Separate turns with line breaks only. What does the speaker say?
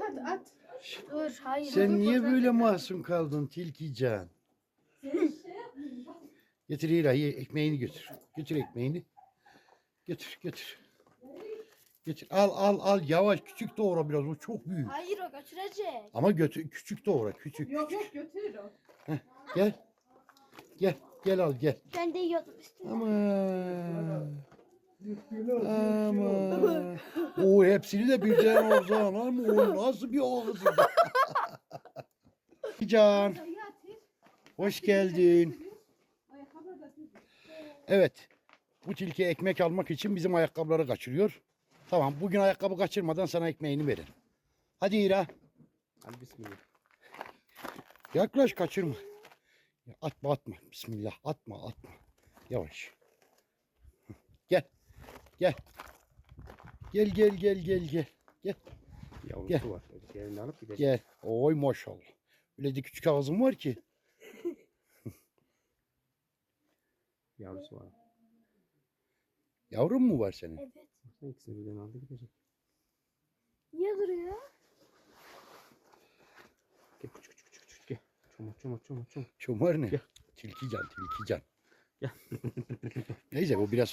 at.
Dur hayır.
Sen niye böyle masum kaldın Tilkican? Getir İra'yı, ekmeğini götür. Götür ekmeğini. Götür götür. Getir. Al yavaş, küçük doğra biraz, o çok büyük.
Hayır o götürecek.
Ama götür, küçük doğra, küçük.
Yok götürür o.
Gel. Gel al gel.
Ben de yiyordum üstüne.
Ama. O hepsini de birden oradan ama o nasıl bir ağız? Can, hoş geldin. Evet. Bu tilki ekmek almak için bizim ayakkabıları kaçırıyor. Tamam, bugün ayakkabı kaçırmadan sana ekmeğini veririm. Hadi İra.
Hadi bismillah.
Yaklaş, kaçırma. Ya atma. Bismillah. Atma. Yavaş. Gel. Gel. Gel.
Yavrusu
Gel.
var. Yerini alıp gidecek.
Gel. Oy maşallah. Öyle de küçük ağzın var ki.
Yavrusu var.
Yavrun mu var senin?
Evet.
Baksana ikisini birden aldı gidecek.
Niye duruyor?
Gel küçük gel. Çomar.
Çomar ne?
Gel.
Tilkican.
Gel.
Neyse, bu biraz